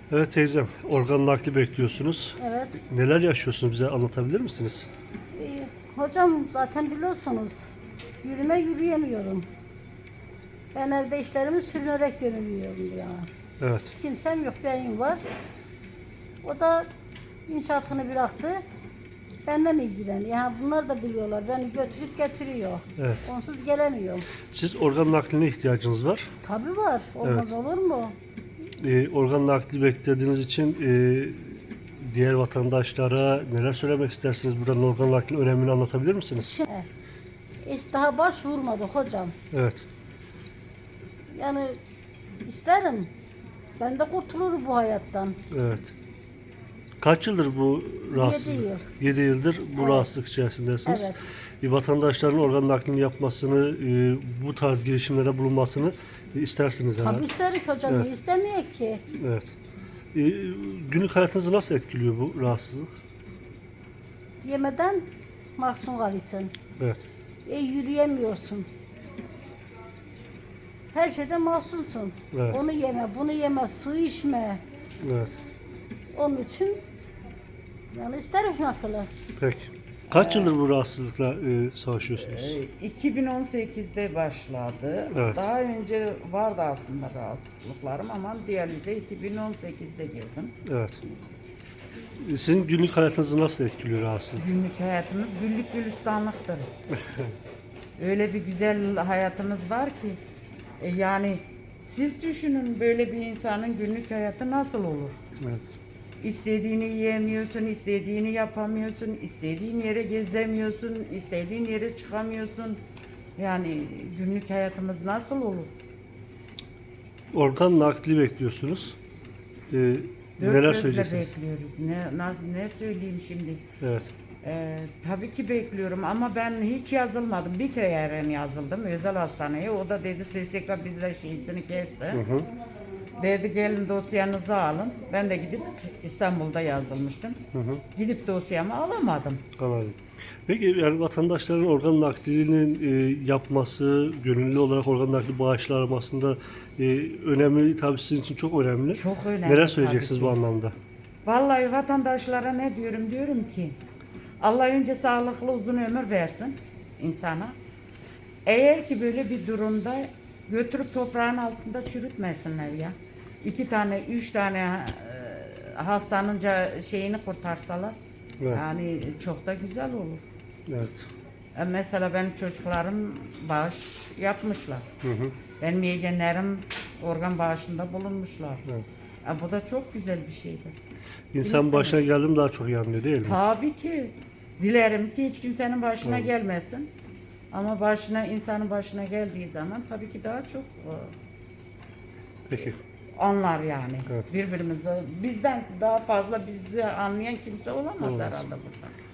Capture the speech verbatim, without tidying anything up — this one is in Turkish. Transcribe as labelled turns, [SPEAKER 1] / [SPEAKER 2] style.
[SPEAKER 1] Evet teyzem, organ nakli bekliyorsunuz.
[SPEAKER 2] Evet.
[SPEAKER 1] Neler yaşıyorsunuz, bize anlatabilir misiniz?
[SPEAKER 2] Ee, hocam zaten biliyorsunuz yürüme yürüyemiyorum. Ben evde işlerimi sürünerek yürüyorum ya.
[SPEAKER 1] Evet,
[SPEAKER 2] Kimsem yok, beyim var. O da inşaatını bıraktı. Benden ilgileniyor. Yani bunlar da biliyorlar. Beni götürüp getiriyor.
[SPEAKER 1] evet.
[SPEAKER 2] Onsuz gelemiyorum.
[SPEAKER 1] Siz organ nakline ihtiyacınız var.
[SPEAKER 2] Tabii var. Olmaz olur mu?
[SPEAKER 1] Ee, organ nakli beklediğiniz için e, diğer vatandaşlara neler söylemek istersiniz? Buradan organ naklinin önemini anlatabilir misiniz?
[SPEAKER 2] Şimdi, hiç daha başvurmadık hocam.
[SPEAKER 1] Evet,
[SPEAKER 2] Yani isterim. Ben de kurtulurum bu hayattan.
[SPEAKER 1] evet. Kaç yıldır bu rahatsızlık?
[SPEAKER 2] yıl.
[SPEAKER 1] yedi yıldır bu
[SPEAKER 2] Evet.
[SPEAKER 1] rahatsızlık içerisindesiniz.
[SPEAKER 2] Evet.
[SPEAKER 1] E, vatandaşların organ naklini yapmasını, e, bu tarz girişimlere bulunmasını e, istersiniz herhalde.
[SPEAKER 2] Tabii isterik hocam.
[SPEAKER 1] Evet.
[SPEAKER 2] Niye istemeyek ki?
[SPEAKER 1] Evet. E, günlük hayatınızı nasıl etkiliyor bu rahatsızlık?
[SPEAKER 2] Yemeden mahzun kalırsın.
[SPEAKER 1] Evet.
[SPEAKER 2] E, yürüyemiyorsun. Her şeyde mahzunsun.
[SPEAKER 1] Evet.
[SPEAKER 2] Onu yeme, bunu yeme, su içme.
[SPEAKER 1] Evet.
[SPEAKER 2] Onun için yani isterim nakılı.
[SPEAKER 1] Peki. Kaç yıldır bu rahatsızlıkla e, savaşıyorsunuz?
[SPEAKER 3] Ee, iki bin on sekizde başladı.
[SPEAKER 1] Evet.
[SPEAKER 3] Daha önce vardı aslında rahatsızlıklarım ama diyalize iki bin on sekizde girdim.
[SPEAKER 1] Evet. E, Sizin günlük hayatınızı nasıl etkiliyor rahatsızlık?
[SPEAKER 3] Günlük hayatımız güllük gülistanlıktır. Öyle bir güzel hayatımız var ki e, yani siz düşünün böyle bir insanın günlük hayatı nasıl olur?
[SPEAKER 1] Evet.
[SPEAKER 3] İstediğini yiyemiyorsun, istediğini yapamıyorsun, istediğin yere gezemiyorsun, istediğin yere çıkamıyorsun. Yani günlük hayatımız nasıl olur?
[SPEAKER 1] Organ nakli bekliyorsunuz. E,
[SPEAKER 3] Dört
[SPEAKER 1] neler
[SPEAKER 3] gözle
[SPEAKER 1] söyleyeceksiniz?
[SPEAKER 3] bekliyoruz. Ne, nasıl, ne söyleyeyim şimdi?
[SPEAKER 1] Evet.
[SPEAKER 3] Ee, tabii ki bekliyorum ama ben hiç yazılmadım. Bir kere yazıldım özel hastaneye. O da dedi S S K bizle şeysini kesti.
[SPEAKER 1] Hı hı.
[SPEAKER 3] Dedi gelin dosyanızı alın. Ben de gidip İstanbul'da yazılmıştım.
[SPEAKER 1] Hı hı.
[SPEAKER 3] Gidip dosyamı alamadım.
[SPEAKER 1] Anladım. Peki yani vatandaşların organ naklinin e, yapması, gönüllü olarak organ nakli bağışlanmasında e, önemli, tabii sizin için çok önemli.
[SPEAKER 3] Çok önemli
[SPEAKER 1] Neler
[SPEAKER 3] tabii
[SPEAKER 1] söyleyeceksiniz
[SPEAKER 3] ki.
[SPEAKER 1] bu anlamda?
[SPEAKER 3] Vallahi vatandaşlara ne diyorum? Diyorum ki Allah önce sağlıklı uzun ömür versin insana. Eğer ki böyle bir durumda götürüp toprağın altında çürütmesinler ya. İki tane, üç tane e, hastanın ca- şeyini kurtarsalar
[SPEAKER 1] Evet.
[SPEAKER 3] yani çok da güzel olur.
[SPEAKER 1] Evet.
[SPEAKER 3] E, mesela benim çocuklarım bağış yapmışlar.
[SPEAKER 1] Hı hı.
[SPEAKER 3] Benim yeğenlerim organ bağışında bulunmuşlar.
[SPEAKER 1] Evet.
[SPEAKER 3] E, bu da çok güzel bir şeydir.
[SPEAKER 1] İnsan başına geldim daha çok iyi anlıyor değil mi?
[SPEAKER 3] Tabii ki. Dilerim ki hiç kimsenin başına
[SPEAKER 1] Evet.
[SPEAKER 3] gelmesin. Ama başına insanın başına geldiği zaman tabii ki daha çok e,
[SPEAKER 1] Peki.
[SPEAKER 3] anlar yani.
[SPEAKER 1] Evet.
[SPEAKER 3] Birbirimizi bizden daha fazla bizi anlayan kimse olamaz
[SPEAKER 1] Olmaz.
[SPEAKER 3] herhalde burada.